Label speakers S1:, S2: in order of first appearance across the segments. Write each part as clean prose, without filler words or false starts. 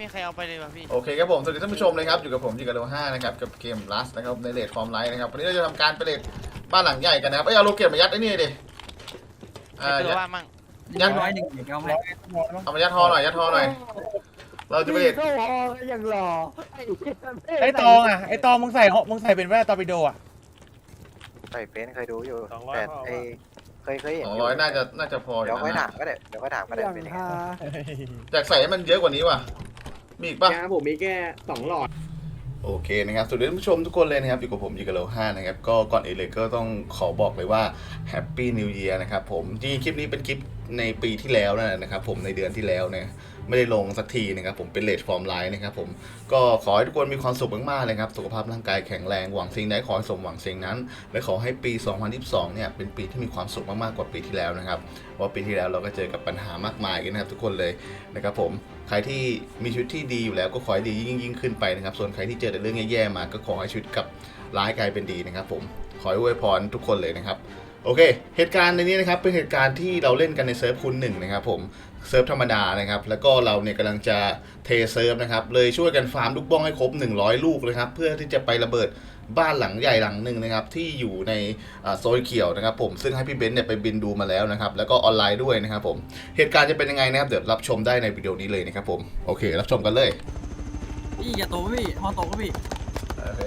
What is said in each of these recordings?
S1: มีใครเอาไปเลยป่ะพี่
S2: โอเคครับผมสวัสดีท่านผู้ชมเลยครับอยู่กับผมยิงกับโล5นะครับกับเกมลัสนะครับในเลดฟอร์มไลท์นะครับวันนี้เราจะทำการไปเลดบ้านหลังใหญ่กันนะครับเอาโลเก็บมายัดไอ้นี่ดิ
S1: ตัวว่ามั่ง
S2: ยัด
S3: 101เอาไหม
S2: เอามายัดทอหน่อยยัดทอหน่อยเราจะไปเลด
S4: ก็วออย่างหล่อ
S5: ไอ้ตองอ่ะไอ้ตองมึงใส่เป็นแว่นตอร์ปิโดอ่ะ
S3: ใส่เป็นเคยดูอยู่แต่ไอ้เคยเห็น
S2: 200น่าจะพอ
S3: เดี๋ยวค่อยถามก็ได้
S4: อย่าง
S3: เป็นยังไง
S4: ฮา
S2: อยากใส่ให้มันเยอะกว่านี้ว่ะมีอีกป่ะ
S6: ผมมีแค่2 หลอด
S2: โอเคนะครับสวัสดีท่านผู้ชมทุกคนเลยนะครับอยู่กับผมยิงกับโล5นะครับก็ก่อนอื่นเลยก็ต้องขอบอกเลยว่าแฮปปี้นิวเยียร์นะครับผมจริงๆคลิปนี้เป็นคลิปในปีที่แล้วนะครับผมในเดือนที่แล้วเนี่ยไม่ได้ลงสักทีนะครับผมเป็นเลดฟอร์มไลน์นะครับผมก็ขอให้ทุกคนมีความสุขมากๆเลยครับสุขภาพร่างกายแข็งแรงหวังสิ่งใดขอให้สมหวังสิ่งนั้นและขอให้ปี 2022 เนี่ยเป็นปีที่มีความสุขมากๆกว่าปีที่แล้วนะครับเพราะปีที่แล้วเราก็เจอกับปัญหามากมายกันนะครับทุกคนเลยนะครับผมใครที่มีชีวิตที่ดีอยู่แล้วก็ขอให้ดียิ่งขึ้นไปนะครับส่วนใครที่เจอแต่เรื่องแย่ๆมาก็ขอให้ชีวิตกับร้ายกลายเป็นดีนะครับผมขอให้อวยพรทุกคนเลยนะครับโอเคเหตุการณ์ในนี้นะครับเป็นเหตุการณ์ที่เราเล่นกันในเซิร์ฟคูณ1นะครับผมเซิร์ฟธรรมดานะครับแล้วก็เราเนี่ยกำลังจะเทเซิร์ฟนะครับเลยช่วยกันฟาร์มลูกบ้องให้ครบ100ลูกเลยครับเพื่อที่จะไประเบิดบ้านหลังใหญ่หลังหนึ่งนะครับที่อยู่ในโซนเขียวนะครับผมซึ่งให้พี่เบนซ์เนี่ยไปบินดูมาแล้วนะครับแล้วก็ออนไลน์ด้วยนะครับผมเหตุการณ์จะเป็นยังไงนะครับเดี๋ยวรับชมได้ในวิดีโอนี้เลยนะครับผมโอเครับชมกันเลย
S7: พี่อย่าโตพี่ฮอโตก็พี่
S2: โอเค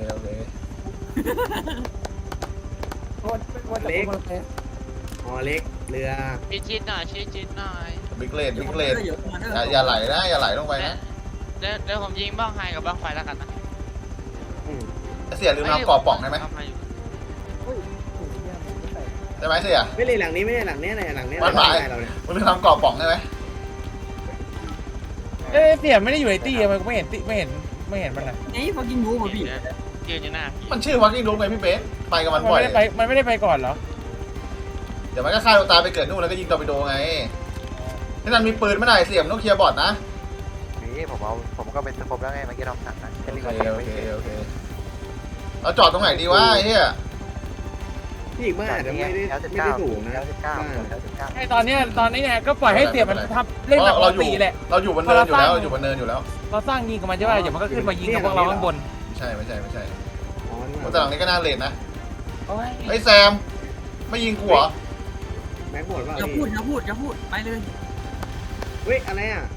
S6: เล็กหอเล็กเรือ
S1: ชิดหน่อยชิดหน่อย
S2: บิ๊กเลดอย่าไหลนะอย่าไหลลงไปนะ
S1: เดี๋ยวผมยิงบ้องไฮกับบ้องไฟแล้วกันนะ
S2: เสียลืมทำกรอบป่องได้ไหมได้ไหมเสีย
S6: ไม่เลยหลังนี้ไม่ใช่หลังนี้ไหนหลังนี้
S2: มันหมายมันลืมทำกรอบป่องได้ไหม
S5: เสียไม่ได้อยู่ในตี้มันไม่เห็นมันนะ
S7: ไอ้พอกินงูป่ะพี่
S1: ยืนอยู่หน้า
S2: มันชื่อวักกิ้งดูไงพี่เบสไปกับมันบ่อย
S5: มันไม่ได้ไปก่อนเหรอ
S2: เดี๋ยวมันก็ฆ่าตัวตายไปเกิดนู่นแล้วก็ยิงตอร์ปิโดไงที่นั่นมีปืนไม่ได้เสียมต้องเคลียร์บอร์ดนะ
S3: นี่ผมก็เป็นสกปแล้วไงเมื่อกี้เราสั่งนะ
S2: โอเคเราจอดตรงไหนดีวะไอ้เหี้ย
S6: พี่อีกบ้านแต่ไม่ได้ถูกนะ
S5: ไอ้ตอนนี้เนี่ยก็ปล่อยให้เสียมันทำเล่นแบบปกติแหละ
S2: เราอยู่บนเนินอยู่แล้วอยู่บนเนินอยู่แล้ว
S5: เราสร้างยิงกับมันใช่ไหมเดี๋ยวมันก็ขึ้นมายิงกับพวกเราข้างบน
S2: ไม่ใช่
S6: อ๋อ
S2: แต่หลังนี้ก็น่าเลนนะ
S5: โอ้ย
S2: ไอ้แซมไม่ยิงกูเหรอ
S6: แม็กหมดว่า
S7: อย่าพูดไปเลย
S6: เฮ้ยอะไรอ่ะ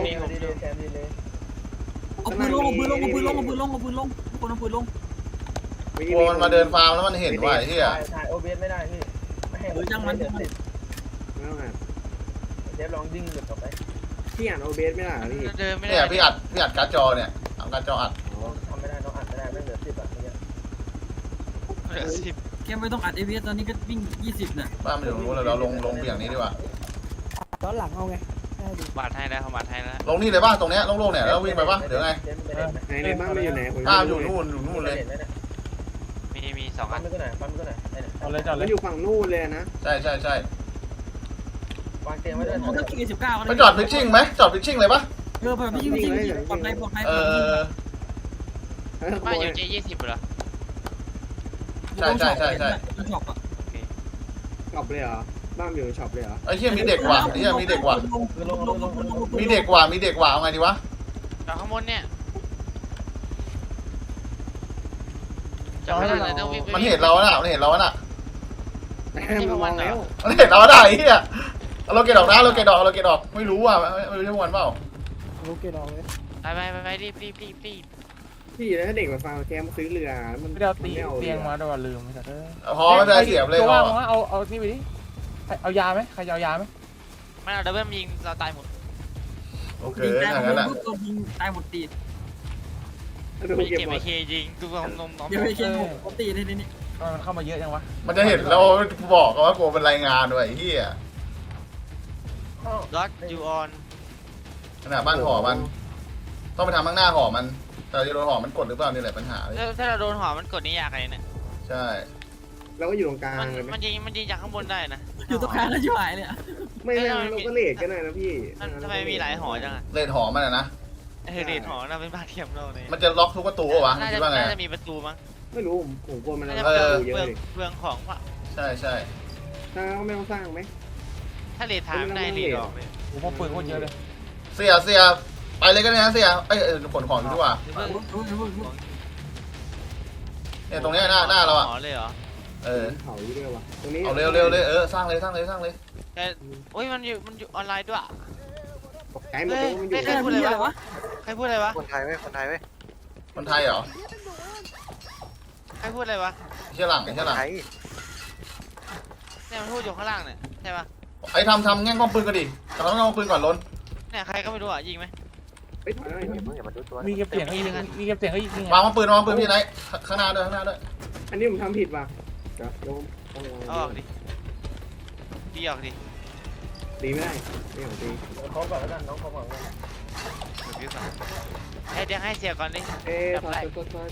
S7: เอาปืนลงคนเอาปืนลง
S2: กลัวมันมาเดินฟาร์มแล้วมันเห็นว่าไอ้เหี้ย
S4: ถ่ายโอเบสไม่ได้พี่ไม่ให้
S7: จังมัน
S6: แล้วไง
S4: เดี๋ยวลองดิ้งหลุดออกไป
S6: พี่อ่านโอเบสไม่ได้พี่
S1: เดินไม่ได้
S2: เนี่ยพี่อัดการ์ดจอเนี่ยเอาการ์ดจออัด
S4: ทำไม่ได้น้องอัดไม่ได้ไม่เหลือ10 บาทเนี่ย
S1: เหลือ10
S7: แค่ไม่ต้องอัด ABS ตอนนี้ก็วิ่ง20น่ะ
S2: บ้านมันอยู่ตรงนู้นเลยเราลงเบี่ยงนี้ดีกว่า
S4: ย้อนหลังเอาไง
S1: บาทให้แล้วเขาบาทให้แล้ว
S2: ลงนี่เลยป่ะตรงเนี้ยโล่งๆเนี่ยแล้ววิ่งไปป่ะเดี๋ยวไง
S6: ในบ้านไม่อยู่ไหน
S2: บ้านอยู่นู่นเลย
S1: มี2 อัน
S4: ปั๊มก็ไหน
S5: เอาเลยจอดเล
S6: มัน
S5: ย
S6: อยู่ฝั่งนู่นเลยนะ
S2: ใช่
S4: วางเตียงไว้ด้วย
S7: มันก็กิน19ก็
S2: ไปจอดพิชชิ่งไหมจอดพิชชิ่งเลยป่ะ
S7: พอพี่ยิงปลอดภัย
S1: บ้านอยู่J20เหรอ
S2: ใช่
S7: ช็อปอ่ะ
S6: ช็อปเลยเหรอบ้านอยู่ช็อปเลยเหรอ
S2: ไอ้เหี้ยมีเด็กว่ะมีเด็กว่ะเอาไงดีวะ
S1: จอดข้างบนเนี่ยจอดไม่ได้เลยต้องวิ่ง
S2: มันเห็นเราน่ะ
S6: มันมองแล้ว
S2: มันเห็นเราได้ไอ้เหี้ยเราเกตออกไม่รู้อ่ะไม่รู้ที่วันเปล่า
S4: ลูกเกดออกเลย
S1: ไปรีบ
S6: พี่แล้วเด็กมาฟังแกมาซื้อเรือมัน
S5: ไม่ได้เอาเตียงมาด้วยลืมไม่ใช่
S2: พอไม่ได้เสียบเลย
S5: ตัวว่างเอานี่ไปดิเอายาไหมใครจะเอายาไหม
S1: ไม่เอาดับเบิลยิงเราตายหมด
S2: โอเค
S7: ยิง
S2: อย่างนั้นแหละ
S7: ตายหมดตี
S1: ไม่เก็บไอเคยิงตัวนม
S7: เดี๋ยวไอ้เคหมดตีนี่
S5: มันเข้ามาเยอะยังวะ
S2: มันจะเห็นเราบอกกันว่ากูเป็นรายงานด้วยไอ้เหี้ย
S1: ล็อตยูออน
S2: ขนาดบ้านหอมันต้องไปทำข้างหน้าหอมันแต่จะโดนหอมันกดหรือเปล่านี่แหละปัญหา
S1: ถ้าเราโดนหอมันกดนี่ยากอะไรเนี่ย
S2: ใช่
S6: เราก็อยู่ตรงกลางเลย
S1: มันยิงจากข้างบนได้นะ
S7: อยู่ตรงกลางแล้วชิบหายเลย
S6: ไม่เราก็เลทกันนะพี่
S1: ทำไมมีหลายหอจังอะ
S2: เลนหอมันนะ
S1: เรทหอเราเป็นบ้านเทียมเราเนี่ย
S2: มันจะล็อกทุกประตูวะคิดว่าไง
S1: น่าจะมีประตูมั้ง
S6: ไม่รู้ผมกลัวมัน
S1: น่าจะ
S6: เยอะเลย
S1: เปลืองของว่ะ
S2: ใช่
S6: ถ้าไม่ต้องสร้างไหม
S1: ถ้าเรททางได้เรทออกเลย
S5: โอ้โหปืนโคตรเยอะเลย
S2: เสียไปเลยก็ได้นะเสียขนของดีกว่าเนี่ยตรงนี้หน้าเราอ่ะ
S1: หมอเลยเหรอ
S6: เขาอยู่ด้วยวะตรงนี้
S2: เอาเร็วสร้างเลย
S1: แกโอ้ยมันอยู่ออนไลน์ด้วย
S6: ไกลหมดเลยมันอยู่
S1: ใครพูดอะไรวะใครพูดอะไรวะ
S3: คนไทยเว้ยคนไทยเว้ย
S2: คนไทยเหรอ
S1: ใครพูดอะไรวะ
S2: เชี่ยหลัง
S3: ไทย
S1: เนี่ยมันพูดอยู่ข้างล่างเนี่ยใช่ปะ
S2: ไอ้ทำแง่งกล้องปืนกันดิทำแง่งกล้องปืนก่อนล้น
S1: เนี่ยใครก็ไม่รู้อ่ะยิงไหม
S6: เฮ้ยถอยหน่อย
S3: อย่ามาดูตัว
S5: มีเก็บเสียงก็ยิงมีเก็บเสียงก็ยิง
S2: วางปืนพี่ไหนข้างหน้าด้วย
S6: อันนี้ผมทำผิดว่ะเดี๋ยวโยม
S1: เอาออกดิดีออกดิ
S6: ตีไม่ได้ไม่ของตี
S4: เขาก่อนแล้วกันน้องเขาก่อน
S1: บิวก่อนเดี๋ยวให้เสียก่อนดิ
S6: ถอย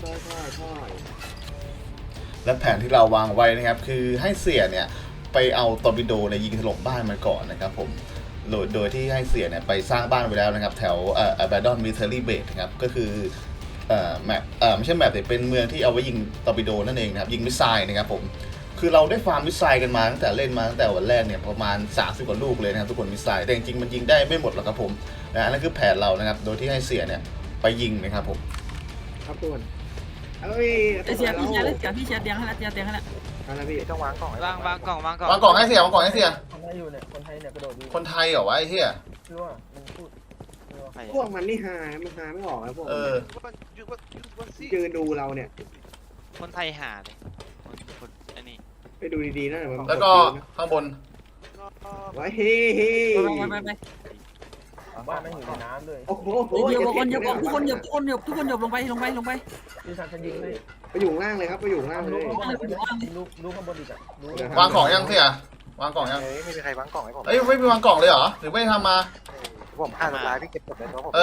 S2: และแผนที่เราวางไว้นะครับคือให้เสียเนี่ยไปเอาตอร์ปิโดในยิงถล่มบ้านมันก่อนนะครับผมโดยที่ให้เสียเนี่ยไปสร้างบ้านไว้แล้วนะครับแถวAbandon Military Base นะครับก็คือแมปไม่ใช่แมปแต่เป็นเมืองที่เอาไว้ยิงตอร์ปิโดนั่นเองนะครับยิงมิสไซล์นะครับผมคือเราได้ฟาร์มมิสไซล์กันมาตั้งแต่เล่นมาตั้งแต่วันแรกเนี่ยประมาณ30กว่าลูกเลยนะครับทุกคนมิสไซล์แต่จริงๆมันยิงได้ไม่หมดหรอกครับผมนะนั่นคือแผนเรานะครับโดยที่ให้เสียเนี่ยไปยิงนะครับผม
S6: ครับทุกคนเอ้ย
S7: เสียพี่เชียร์เตียงให้แล้วเตียงให้แล้ว
S6: อะไรพี่
S3: ต้องวางกล่อง
S1: วางกล่อง
S2: วางกล่องให้เสีย
S4: คนไทยอยู่เนี่ยคนไทยเนี่ยกระโดดอยู่
S2: คนไทยเหรอวะไอ้เหี้ย
S4: รู้ว่ามันพูด
S6: พวกมันนี่หามันหาไม่ออกแล้วพวกยืนดูเราเนี่ย
S1: คนไทยหาเลยคนอันนี้
S6: ไปดูดีๆนะ
S2: แล้วก็ข้างบน
S6: ไว้เฮ้
S7: ไป
S4: บ้านมันอยู่ในน้ำด้วย
S6: โอ้โห
S7: เดี๋ยวคนเดี๋ยวทุกคนหยบลงไป
S4: พี่ชันจะยิงเลย
S6: ไปอยู่ล่างเลยครับไปอยู่ล่างเลย
S4: รู้ข้างบนอีกอ่ะรู้
S2: วางกล่องยังเสียวางกล่องยัง
S3: ไม่มีใครวางกล่องให้ผม
S2: เอ้ยไม่มีวางกล่องเลยเหรอหรือไม่ทำมา
S3: ผมฆ่าตัวตายพี่เก็บกดในตัวผม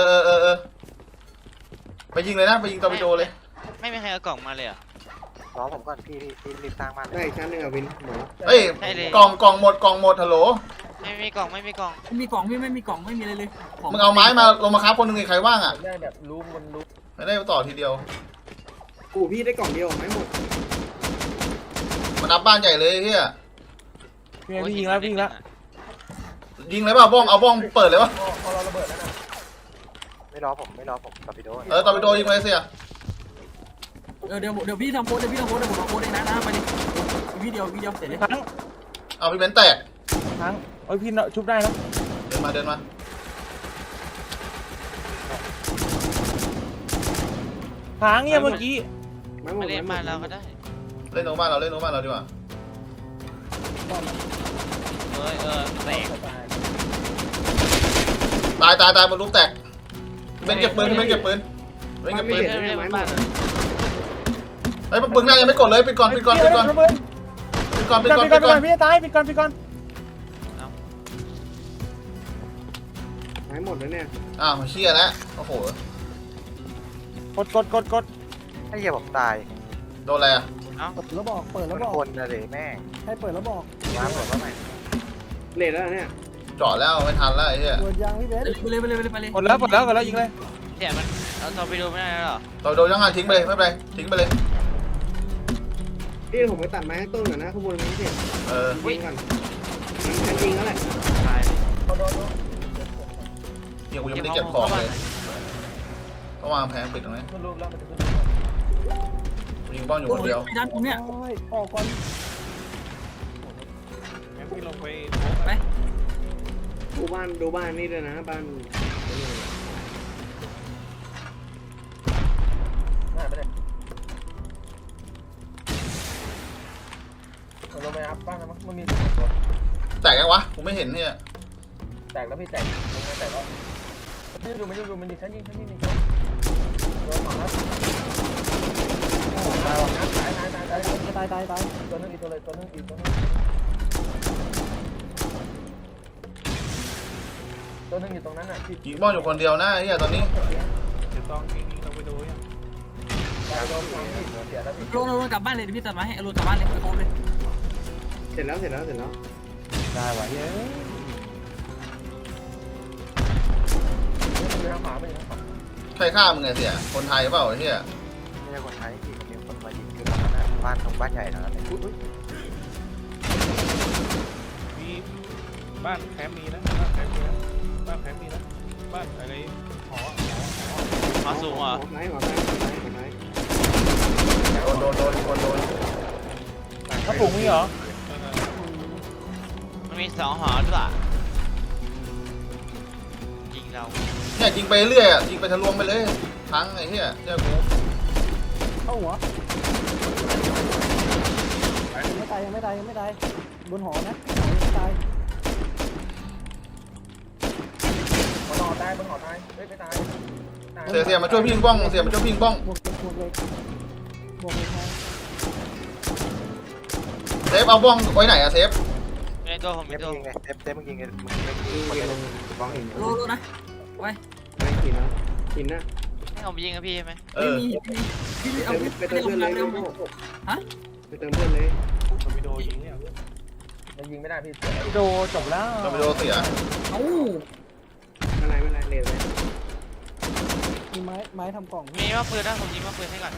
S2: ไปยิงเลยนะไปยิงตอร์ปิโดเลย
S1: ไม่มีใครเอากล่องมาเลยอ่ะ
S3: รอผมก่อนพี่รีบสร้างบ้าน
S6: ได้ชั้นหนึ่งอ่ะวินหมอ
S2: เอ้ยกล่องหมดฮัลโหล
S1: ไม่มีกล่อง
S7: มีกล่องพี่ไม่มีกล่องไม่มีอะไรเลย
S2: มึงเอาไม้มาลงมาครับคนหนึ่งใครว่างอ่ะ
S4: ได้แบบรู้มันรู้
S2: ไม่ได้ต่อทีเดียว
S6: กูพี่ได้กล่องเดียวไม่หมด
S2: มันนับบ้านใหญ่เลยเฮีย
S5: พี่ยิงแล้ว
S2: ยิงเลยเปล่าบ้องเอาบ้องเปิดเลยวะ
S4: พอเราระเบิดแล้วนะ
S3: ไม่รอผมตอร์ปิโด
S2: ตอร์ปิโดยิงเลยเสีย
S7: เดี๋ยวพี่ทำโพสเดี๋ยวผมทำโพสเองนะไปดิวิดีโอเสร็จเลย
S5: ทั้ง
S2: เอาพี่เบนแตก
S5: โอ้ยพี่ชุบได้นะ
S2: เดินมา
S5: ทางเนี่ยเมื่อกี้
S6: ไม่หม
S1: มา
S6: ด
S1: เล่นบ้านเราก็ได้
S2: เล่นโนบ้านเราดีกว่า
S1: แตก
S2: ตายบนลูกแตกเป็นเก็บปืน
S6: ไม่เห็น
S1: เล่น
S6: ไม่
S1: บ้าน
S2: ไอ้ปืนหน้ายังไม่กดเลยปิดก่อน
S5: พี่ตายปิดก่อน
S6: ไม่หมดแล้วเนี่ย
S2: อ้าวเชี่ยแล้วโอ้โห
S5: กด
S3: ไอ้เหี้ยผมตาย
S2: โดนอะไรอ่ะ
S4: เปิดแล้วบอกเปิดแล้วบอก
S3: คนนะเลยแม่ง
S4: ให้เปิดแล้วบอก
S3: วางหมดแล้วไหม
S6: เลทแล้วเนี่ย
S2: เจาะแล้วไม่ทันแล้วไอ้เหี้ย
S4: เปิดยางพี่เบส
S7: ไปเลย
S5: กดแล้วยิงเลย
S1: เสียมันเอาตอร์ปิโดไม่ได้แล้วหรอ
S2: ตอร์ปิโดยังไงทิ้งไปเลยไม่เป็นไรทิ้งไปเลย
S6: พี่ผมไปตัดไม้ต้นก่อนนะข้างบนนี้เสร็จ
S2: ยิง
S6: ก่อนมันจริงแล้วแหละ
S1: ตาย
S4: เขาโดน
S2: เดี๋ยวกูยังไม่ได้เก็บของเลยต้องวางแผงปิดตรงนี้
S4: มันรู้แล้วมันจะขึ้น
S2: ยิงบ้องอยู่คนเดียว
S7: ไปด้านผมเนี่ย
S4: ออกก่อน
S7: ไป
S6: ดูบ้านนี่ด้วยนะบ้าน
S4: ง่ายไปเลยลงไปอัพบ้านนะมันมีตัว
S2: แตกยังวะกูไม่เห็นเนี่ย
S4: แตกแล้วพี่แตกลงไปแตกแล้วมันยิงมันยิงชั้นยิงโดนหมาตายตัวนึงอีกตัวเลยตัวนึงอยู่ตรงนั้นน่ะที่
S2: ยิงบ้องอยู่คนเดียวนะไอ้เหี้ยตอนนี้
S4: เสียแล้วพี่
S7: ลงกลับบ้านเลยพี่ตัดไม้ให้ลงกลับบ้านเลยไปโคเลย
S6: เสร็จแล้ว
S5: ได้ว่ะเฮ้ย
S4: ไม่ทางขวาไม่ทางขวา
S2: ใครฆ่ามึงไงเสียคนไทยเปล่าไอ้เหี้ย
S3: ไม่ใช่คนไทยที่มีคนมายิงคือบ้านตรงบ้านใหญ่นะ
S8: มีบ้านแคมป์มีนะบ้านแคมป์มีนะ
S1: บ้านอะไรหอสูงเหรอ
S6: หัวไหนหัวไหนหัวไหน
S2: โดน
S5: กระปุกมีเหรอ
S1: มันมี2หอด้วยยิงเรา
S2: เนี่ยยิงไปเรื่อยอ่ะยิงไปทะลวงไปเลยทั้งไอ้เหี้ยเจ้ากู
S4: เข้าหัวยังไม่ตายบนหอนะไม่ตายบนหอตายไม่ตาย
S2: เสียมาช่วยพี่บ้องเสียมาช่วยพี่บ้อง
S4: บวกเลยแทง
S2: เซฟเอาบ้องไว้ไหนอะเซฟ
S1: ในตัวผม
S3: เซ
S1: มี
S3: ฟ
S1: ตัว
S3: ยิงไงเซฟมึงยิงไงมึง
S6: ยิงลงบ้องหิน
S7: โลนะไว้
S6: ไม่กินนะกินนะ
S1: ให้ผมยิงกับพี่ใช่ไหม
S7: ไม่มีพี่เอา
S6: ไปเติมเพื่อนเลย
S7: เร็วฮะ
S6: ไปเติมเพื่อนเลย
S4: ยังยิงไม่ได้พี่
S5: โดจบแล้ว
S2: เราไปโดนเสีย
S7: เอ้า
S6: ไม่ไรเลวเลย
S4: มีไม้ทำกล่อง
S1: มีว่าปืนนะผมยิงว่าปืนให้ก่อน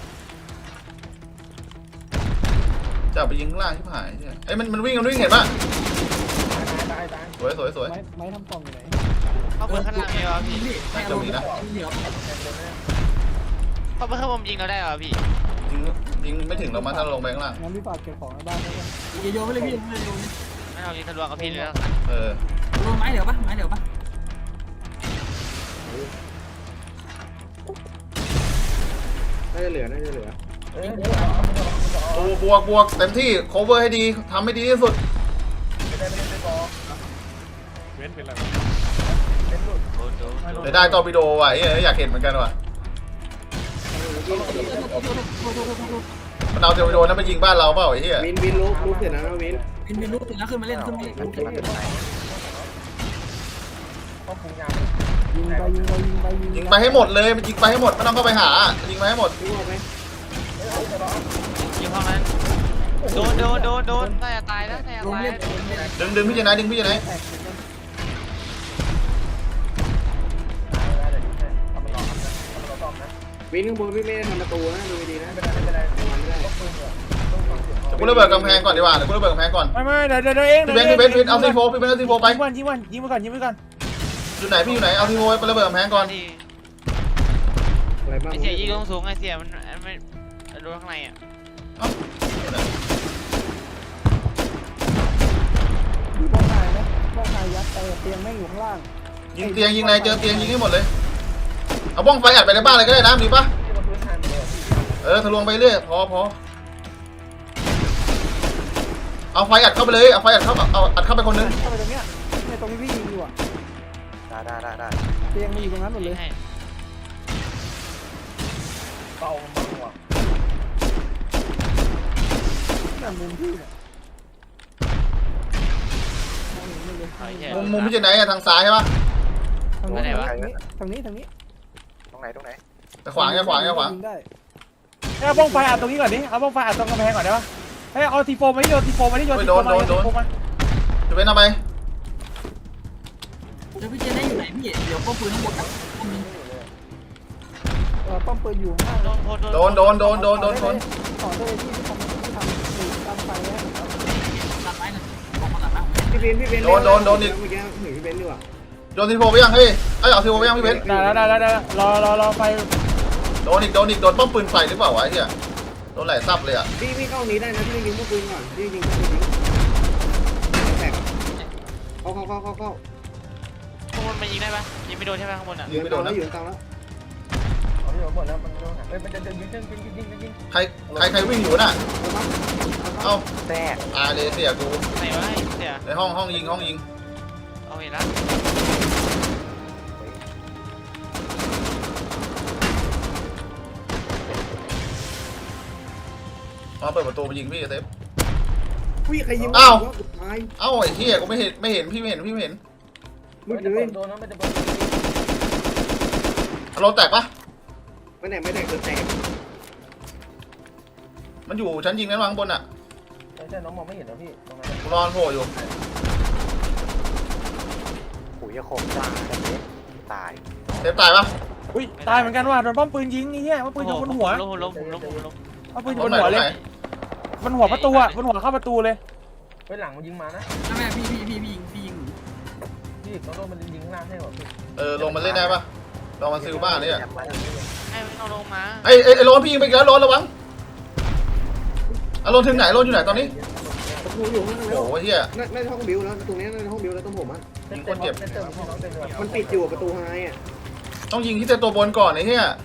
S2: จะไปยิงข้างล่างที่หายเนี่ยไอ้มันวิ่งเห็นป่ะ
S4: ตาย
S2: สวย
S4: ไม้ทำกล่องอยู่ไหน
S1: เข้าปืนข้างล่างมีวะพี่
S7: ไม่เอาเหลือ
S1: เข้าปืนข้างบนยิงเราได้เหรอพี่
S2: ยิงไม่ถึงเรามาถ้าเราลงไปข้างล่าง
S4: งั้นพี่ฝากเก็บของในบ้านได้ไหม
S7: อย่าโยนไปเลยพี่ไม่โยน
S1: ไม่เอายิงทะลวงกับพี่เลยแล้ว
S2: เออ
S7: โยนไม้เดี๋ยวปะ
S6: น่าจะเหลือ
S2: บวกเต็มที่ cover ให้ดีทำให้ดีที่สุด
S1: โดน
S2: ได้ตอร์ปิโดว่ะอยากเห็นเหมือนกันว่ะมันเอาตอร์ปิโดนั้นไปยิงบ้านเราเปล่าไอ้เหี้ย
S6: วินลุกเสร็จแล้วนะวิน
S7: วินลูกถึงแล้วขึ้นมาเล่นขึ้นมา
S2: ยิงไปให้หมดเลยมันยิงไปให้หมดไม่ต้องเข้าไปหายิงไปให้หมด
S6: รู้ไหม
S1: ยิงห้องนั้นโดนน่าจะตายแล้วน่าจะ
S7: ลง
S1: ตาย
S7: เล่น
S2: ดึงพี่จะไหนดึงพี่จะไหน
S6: วินข้างบนพี่ไม่ได้ทำประตูนะดูดีนะ
S2: กูระเบิดกำแพงก่อนดีกว่าเดี๋ยวกูระเบิดกำแพงก่อน
S5: ไม่เดี๋ยวเอง
S2: พี่เบนเอาซีโฟพี่เบนเอาซีโฟไป
S5: ยิงไปก่อน
S2: อยู่ไหนพี่อยู่ไหนเอาซีโฟไประเบิดกำแพงก่อน
S1: ที่
S6: อะไรบ้าง
S1: ไอเสียยิงลงสูงไอเสียมันไม่โดนข้างในอ่ะ
S4: ดูบ้องนายนะบ้องนายยัดเตียงแม่งอยู่ข้างล่าง
S2: ยิงเตียงยิงในเจอเตียงยิงให้หมดเลยเอาบ้องไฟอัดไปในบ้านเลยก็ได้นะดีปะทะลวงไปเรื่อยพอเอาไฟอัดเข้าไปเลยเอาไฟอัดเข้าเอาอัดเข้าไปคนนึง
S4: เข้าไปตรงเนี้ยเนี่ยตรงที่พี่ยิงอยู่อ่ะ
S3: ได้
S4: เตียงมันอยู่ตรงนั้นหมดเลย
S1: ให้
S4: นั่นมุมพี่เนี่ย
S2: มุมพี่จะไหนอะทางซ้ายใช่ปะ
S4: ทางนี้
S3: ตรงไหน
S2: แต่ขวาง
S4: ยิงได้
S5: เอาบ้องไฟอัดตรงนี้ก่อนดิเอาบ้องไฟอัดตรงกำแพงก่อนได้ปะให้เอาทีโฟมาที่โยนทีโฟมาที่โยนทีโฟมา
S2: จะเป็นทำไม
S7: เดี๋ยวพี่เจนได้อยู่ไหนพี่เดี๋ยวป้อมปืนทั้งหมด
S4: ป้อมปืนอยู่ข้างล่าง
S1: โดน
S2: โดนชน
S4: ขอโทษที่ทำตามไฟแล้ว
S7: ตัดไม้นะบอกมาตัดนะ
S6: พี่เบนเมื่อกี้พี่เบนดีกว่า
S2: โดนซีโฟไปยังเฮ้ยเอาซีโฟไปยังพี่เบน
S5: ได้รอไฟ
S2: โดนอีกโดนป้อมปืนไฟหรือเปล่าวะไอ้เหี้ยโดนไหลซับเลยอ่ะ
S6: พี่เข้านี้ได้นะพี่ยิงพวกปืนก่อนพี่ยิงพวกปืนแตกเข้า
S1: ข้างบนมันยิงได้ปะยิงไม่โดนใช่ไหมข้างบนอ่ะ
S2: ยิงไม่โดนนะ
S6: อยู่ตามแล้ว
S4: หมดแล้วมันมันจะยิง
S2: ใครวิ่งอยู่น่ะเอ้า
S3: แตก
S2: ตายเลยเสียกู
S1: ไหนวะเสีย
S2: ในห้องยิง
S1: เอาเห็นแล้ว
S2: มาเปิดประตูไปยิงพี่เซฟ
S6: พี่ใครยิง
S2: อ้าว
S6: ตาย
S2: เอ้าไอ้เหี้ยกูไม่เห็นพี่ไม่เห็น
S6: มึงเลย
S4: โดนนั้นมันจะ
S2: รถแตกปะ
S6: ไม่แตกเกิดแตก
S2: มันอยู่ชั้นยิงนั้นวางบนอ่ะ
S4: ใช่น้องมองไม่เห็นนะพี่ตรงนั้น
S2: กูรอโผล่อยู่
S3: ปุ๋ยคมตายตาย
S2: เซฟตายปะ
S5: อุ้ยตายเหมือนกันว่ะโดนป้อมปืนยิงนี่เหี้ยป้อมปืนอยู่บนหัว
S1: ล้ม
S5: ป้อมปืนอยู่บนหัวเลยบนหัวประตูอ่ะบนหัวเข้าประตูเลย
S4: ไปหลังมันยิงมานะ
S7: แม่พี่ยิง
S4: พี่ต้องโดนมันยิงข้างล่างให้หรอพี่
S2: ลงมาเล่นได้ปะลองมาซิลบ้านเนี่ย
S1: ให้มันเอาลงมา
S2: ไอ้โรนพี่ยิงไปแล้วโรนระวังโรนถึงไหนโรนอยู่ไหนตอนนี้
S6: ผมอยู่ข้างใน
S2: โอ้โหเฮีย
S6: น่าจะห้องบิวแล้วตรงนี้น่าจะห้องบิวแล้วต้องผมอ่ะ
S2: ยิงคนเจ็บ
S6: มันปิดอยู่ประตูไฮอ่ะ
S2: ต้องยิงที่ตัวบนก่อนไอ้เฮีย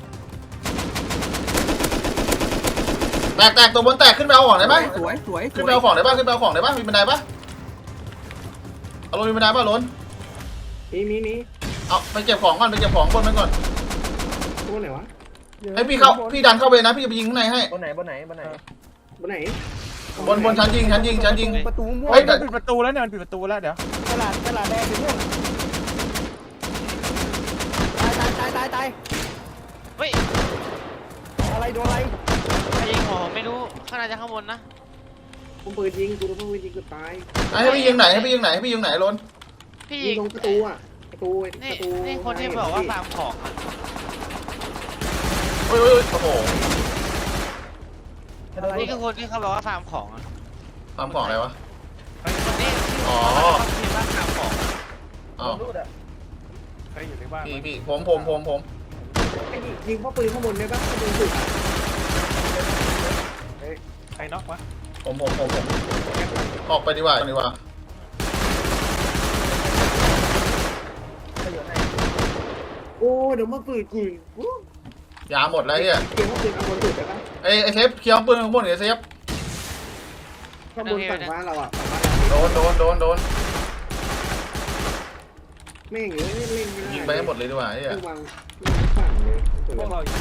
S2: แตกตัวบนแตกขึ้นไปเอาของได้ไหม
S7: สวยสวย
S2: ขึ้นไปเอาของได้ปะขึ้นไปเอาของได้ปะมีบันไดปะเอาโรนมีบันไดปะโรน
S6: มี
S2: เอาไปเก็บของก่อนไปเก็บของบนไปก่อน
S6: ตัวไหนวะ
S2: ให้พี่ดันเข้าไปนะพี่จะไปยิงข้างในให้
S4: บนไหน
S6: บนไหน
S2: บนชั้นยิง
S5: ประตูม่วง
S2: เฮ้ย
S5: มันปิดประตูแล้วเนี่ยมันปิดประตูแล้วเดี๋ยว
S4: ตลาดแดงอยู่เนี่ย
S7: ตาย
S1: เฮ้ย
S4: อะไรโดนอะไร
S1: ใครยิงหัวผมไม่รู้ข้างในจะข้างบนนะ
S6: ผมปืนยิงกูต้องปืนยิงกูตาย
S2: ให้พี่ยิงไหนโรน
S1: พี่
S6: ยิ
S1: ยิ
S6: ง
S1: ง
S6: ลงประตูอ่ะประตู
S1: นี่คนที่บอกว่าฟาร์มของอะ
S2: โอ้ยโอ้โห
S1: นี่คือคนที่เขาบอกว่าฟาร์มของอะ
S2: ทำของอะไรวะ
S1: คนนี้
S2: อ๋อ
S1: ที่ว่าฟาร์มของ
S2: อ้าว
S4: รูดอ่ะ
S5: ใครอยู่ในบ้าน
S2: พี่ผม
S6: ยิงพ่อปืนข้างบนได้ปะข้างบนสุด
S5: ใครน็อกวะ
S2: ผมออกไปดีกว่า
S6: โอ้เดี๋ยวมาปืนกู
S2: ยาหมดแล้วเฮีย
S6: เกียร์พ่อปืนข้างบนสุดได้ปะ
S2: ไอ้เซฟเคลียร์ปืนข้างบนเซฟ
S6: ข้างบนฝั่งบ้านเราอ่ะ
S2: โดน
S6: แม่งเอ้ยเล่นไม่ได้
S2: ยิงไปให้หมดเลยดีกว่าเฮีย
S6: วางฝั่งเลย
S5: พวกเราอยู่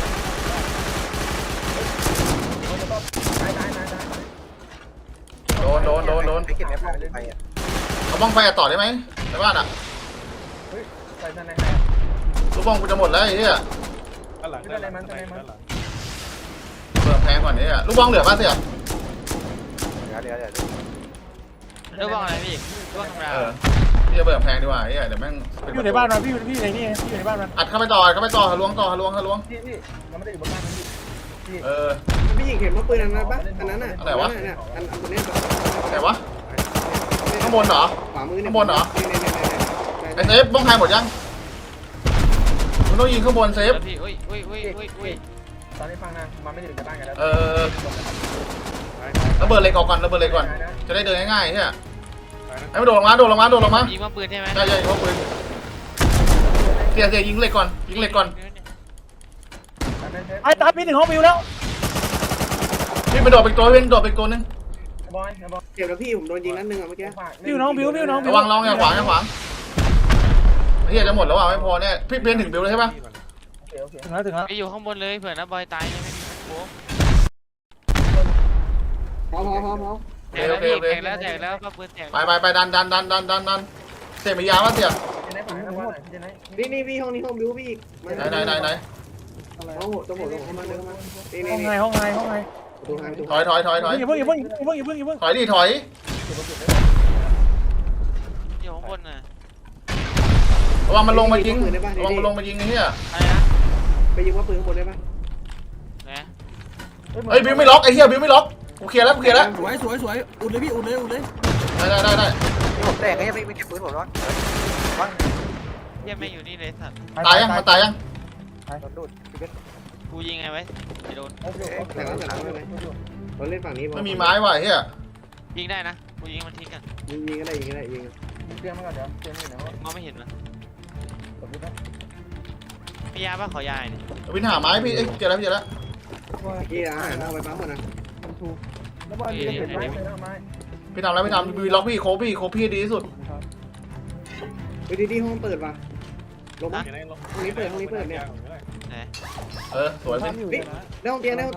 S2: โดน
S3: ไปเก็บในห้องไปอ่ะ
S2: เอาบ้องไฟต่อได้ไหมในบ้านอ่ะ
S4: ใส่ใน
S2: ลูกบ้องกูจะหมดแล้วไอ้เฮีย
S5: ด้านหลัง
S4: ด้านหลัง
S5: ด้านหลัง
S2: เปิดแพงก่อนนี้ลูกบ้องเหลือป่ะเสี่ย
S3: เดี๋ยว
S1: เรื่องว่าอะไรพี่เรื่องธรรมดา
S2: พี่จะเปิดแพงดีกว่าเฮียเดี๋ยวแม่ง
S5: อยู่ในบ้านมันพี่ในนี่พี่อยู่ในบ้านมัน
S2: อัดเข้าไปต่อทะลวง
S4: พี่ยังไม่ได้อยู่บนบ้านพี่
S6: พี่ยิงเห็นว่าปืนอันนั้นปะอันนั้นอ่ะอันตัวนี้
S2: แต่วะข้างบนเหรอ
S6: ขวามือ
S2: ไอเซฟบ้องไฟหมดยังมึงต้องยิงข้างบนเซฟ
S1: แล้วพี่อุ้ย
S4: ตอนนี้ฟังนะมันไม่ได้อยู่ในบ้านกันแล้ว
S2: ระเบิดเหล็กออกก่อนจะได้เดินง่ายๆเฮียให้มันโดดลงมา
S1: ยิงว่าปืนใช่ไหม
S2: ใช่ยิงปืนเสียยิงเหล็กก่อน
S5: ไอ้ตาพี่ถึงห้องบิวแล้ว
S2: พี่ไปโดดไปอีกตัวนึง
S4: บอย
S6: เจ็บแล้วพี่ผมโดนยิงนัดนึงอ่ะเมื่อกี้
S5: บิวน้องบิว
S2: ระวังอย่าขวางเฮียจะหมดแล้วไม่พอแน่พี่เพียนถึงบิวเลยใช่ปะ
S4: โอเค
S5: ถึงแล้ว
S1: ไปอยู่ข้างบนเลยเผื่อนะบอยตายเนี่ยไม่มีโค้ง
S6: พอ
S1: แตกแล้วก็ปืนแตก
S2: ไปดันเสียมียาป่ะเสีย
S4: ไหนฝั่งนั้นว่าไหน
S6: นี่พี่ห้องนี้ห้องบิวพี่
S2: ไหน
S6: ห้องต้องหมดเข้ามานี่
S5: ห้องไง
S6: ประตูทาง
S2: ถอย
S5: อย่าเพิ่ง
S2: ถอยดิถอย
S1: อยู่ข้างบนน่ะ
S2: ระวังมันลงมายิงไอ้เหี้ย
S1: อะไรนะ
S6: ไปยิงว่าปืนข้างบนได้ปะ
S1: นะ
S2: เฮ้ยบิวไม่ล็อกไอ้เหี้ยบิวไม่ล็อกกูเคลียร์แล้ว
S7: สวยอุดเลยพี่อุดเลย
S2: ได้
S3: ผมแตกก็ยังไม่เก็บปืนผมร้อน
S1: เยี่ยมไม่อยู่นี่เลยสัตว์
S2: ตายยังมันตายยัง
S3: โดนดูด
S1: กูยิงไงไว้ไอ้โดน
S6: แต่แล้วเราเล่นฝั่งนี้
S2: ไม่มีไม้ว่ะไอ้เหี้ย
S1: ยิงได้นะกูยิงมันทิ้งกัน
S6: ยิงก็ได้ยิง
S4: เตรียมมาก่อนเดี๋ยวเตรียมอยู่ไหนวะ
S1: มองไม่เห็นมัน
S4: กดพี่นะ
S1: มียาป่ะขอยาเนี่ย
S2: วินหาไม้พี่เจอแล้ว
S6: กี่อาหารเอาไปปั๊มก่อนนะ
S4: แล้วบอยเห็นไหมไม้
S2: พี่ทำแล้วพี่ล็อกพี่โคพี่ดีที่สุด
S6: ไปดีห้องเปิดป่ะลงมาห้องนี้เปิดเนี่ย
S2: สวยพี่
S6: ได้ห้องเตียงส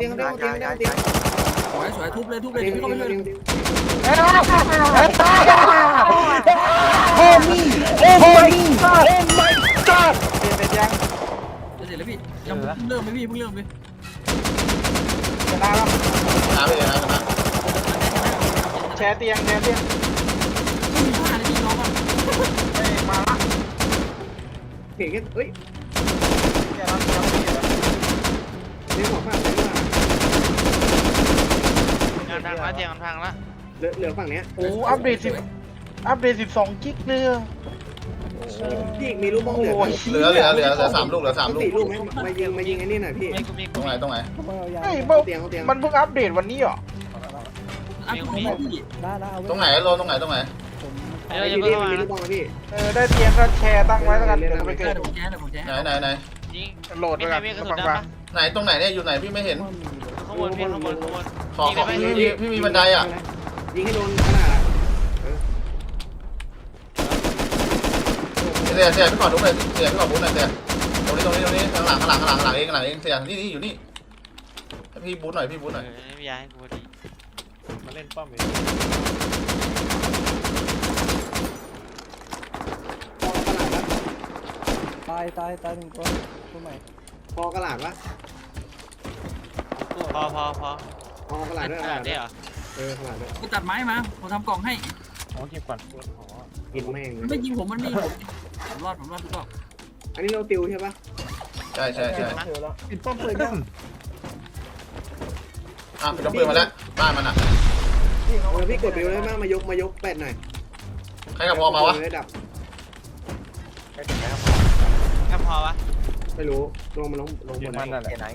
S6: วย
S7: ทุบเลยเดี๋ยวพี่เข้าไปช่วย
S5: โอ้มีโอ้ my god
S7: เสร็จแล้วพี่ยังเริ่มไหมพี่เพิ่งเริ่มเลย
S2: หาไปเลยนะ
S7: แชร์เตียงไม่มีผ้าเลยพี่น้องอ่ะ
S6: เห็นแค่เฮ้ยเลี้ยงหัวฝั่งไหนวะ
S1: งานพังแล้วเตียงมันพังแล้ว
S6: เหลือฝั่งเนี้ย
S8: โอ้อัปเดต12 กิกเลย
S6: พี่อีกมีลูกบ้องเหลือ
S2: เหลือ3 ลูกเหลือ3 ลูก
S6: 4 ลูกไหมมายิงไอ้นี่หน่อยพี่
S1: ไม่กูมี
S2: ตรงไหน
S8: เฮ้ย
S6: เตียงเตียง
S8: มันเพิ่งอัปเดตวันนี้เหรอ
S7: อ่ะพี่
S2: ตรงไหนโลตรงไหน
S1: เดี๋ยว
S6: ไอ้
S1: จะ
S6: ที่
S1: เพิ่
S6: นี่
S1: ง
S6: มันมีลู
S1: มาก
S6: บ้องไหมพี่
S8: ได้เตียงก็แชร์ตั้งไว้แล้วกันเดี๋ยวไป
S7: เดี๋
S8: เกิด
S7: ยวผมแจ้งเดี๋ยวผมแจ้ง
S2: ไหน
S1: ยิง
S8: โหลด
S1: มี
S8: ไป
S1: ใคร
S8: กัน
S1: มีกระสุน
S8: ฟัง
S1: ดำ
S8: ฟัง
S1: ปะ
S2: ไหนตรงไหนเนี่ยอยู่ไหนพี่ไม่เห็น
S1: ข้างบนพี่ข้างบน
S2: ขอพี่มีบันไดอ่ะ
S6: ยิงให้โดนขนาดอ่ะ
S2: เสียพี่ขอดูหน่อยเสียพี่ขอบู๊หน่อยเสียตรงนี้ข้างหลังเองเสียนี่อยู่นี่พี่บู๊หน่อย
S1: ไม่ย้ายกูดี
S5: มาเล่นป้อม
S6: ตายหนึ่งตัวใหม่พอกระหลาดวะ
S1: พอ
S6: พอกระหลาดด้วย
S1: ขนาดนี้เหรอ
S6: กระหลาดด้วย
S7: กูตัดไม้มาผมทำกล่องให้
S5: อ๋อเก็บก่อน
S6: กินแม่ง
S7: มันไม่ยิงผมมันไม่ยิงผมรอดทุกรอบ
S6: อันนี้เราติวใช่ปะ
S2: ใช่
S5: ปิดป้อมเลยยัง
S2: เป็นน้ำปืนมาแล้วบ้านมันอ่ะ
S6: พี่กดติวได้มากมายกแปดหน่อย
S2: ใครกับพอมาวะ
S6: ดับ
S1: แค่พอวะ
S6: ไม่รู้ลงลงบน
S5: มันนั่นแหละ
S3: ไหน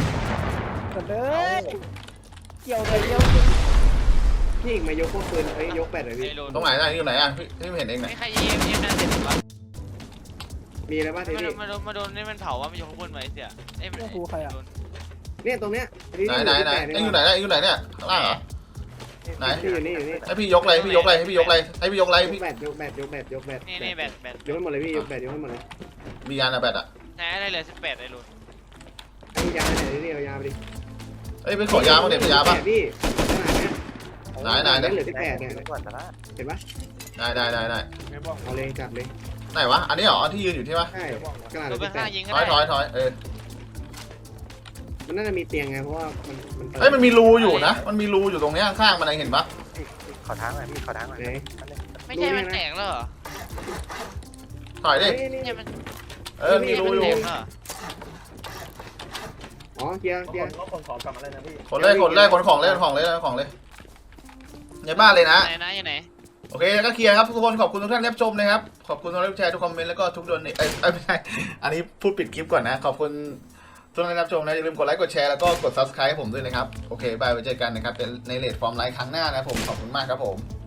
S6: พี่อีกมายกพวกปืนยกแปดเลยพี่
S1: ไม่รู้
S2: ตรงไหนอยู่ไหนอ่ะพี่ไม่เห็นเองไหน
S1: ไม่ใครยิงนั่นเสร็จวะ
S6: มีอะไรบ้างทีนี้
S1: มาโดนนี่มันเผาว่ามันอยู่ข้างบนไว้เสียเอ้ยมันโดน
S6: เนี่ยตรงเนี้ย
S2: ไหนอยู่ไหนเนี่ยข้างล่างเหรอไหน
S6: อยู่นี่
S2: ให้พี่ยกอะไรให้พี่ยกอะไร
S6: ยกแบตยกแบตยกแบต
S1: นี่แบต
S6: ยกให้หมดเลยพี่ยกแบตยกให้หมดเลย
S2: มียานอะแบตอ่ะ
S1: ไหนอะไรเหลือ18ไอ้ลุน
S6: ไอ้ยาไหนนี่เอายาไปดิ
S2: ไปขอยามาเด็ดยาป่ะ
S6: พี่
S2: ไหน
S6: เหลือ18เนี่ย
S3: ก่อนแต่ละ
S6: เห็นปะ
S2: ได้
S5: ไม่บ้อง
S6: เอาเลยจัดเลย
S2: ไหนวะอันนี้เหรอที่ยืนอยู่ที่ปะ
S6: ใช่กระดาษ
S1: ตัวไปข้างยิงก็
S2: ถอย
S1: ได้
S6: มันน่าจะมีเตียงไงเพราะว่ามัน
S2: มันมีรูอยู่นะมันมีรูอยู่ตรงนี้ข้างๆมันเห็นปะ
S3: ขอทางหน่อยพี่ขอทางหน่อย
S1: ไม่ใช่มันแตกแล้วเหรอ
S2: ถอยดิ
S1: เนี่ยมัน
S2: มีรูอยู่
S6: อ๋อเกียร์
S4: คนของกลับมาเลยนะพี่
S2: ขนของเลยในบ้านเลยนะ
S1: ไหนไหน
S2: โอเคก็เคลียร์ครับทุกคนขอบคุณทุกท่านที่รับชมนะครับขอบคุณทุกท่านที่แชร์ทุกคอมเมนต์แล้วก็ทุกโดนนี่ไม่ใช่อันนี้พูดปิดคลิปก่อนนะขอบคุณทุกท่านที่รับชมนะอย่าลืมกดไลค์กดแชร์แล้วก็กด subscribe ให้ผมด้วยนะครับโอเคบายไว้เจอกันนะครับในเลทฟอร์มไลฟ์ครั้งหน้านะผมขอบคุณมากครับผม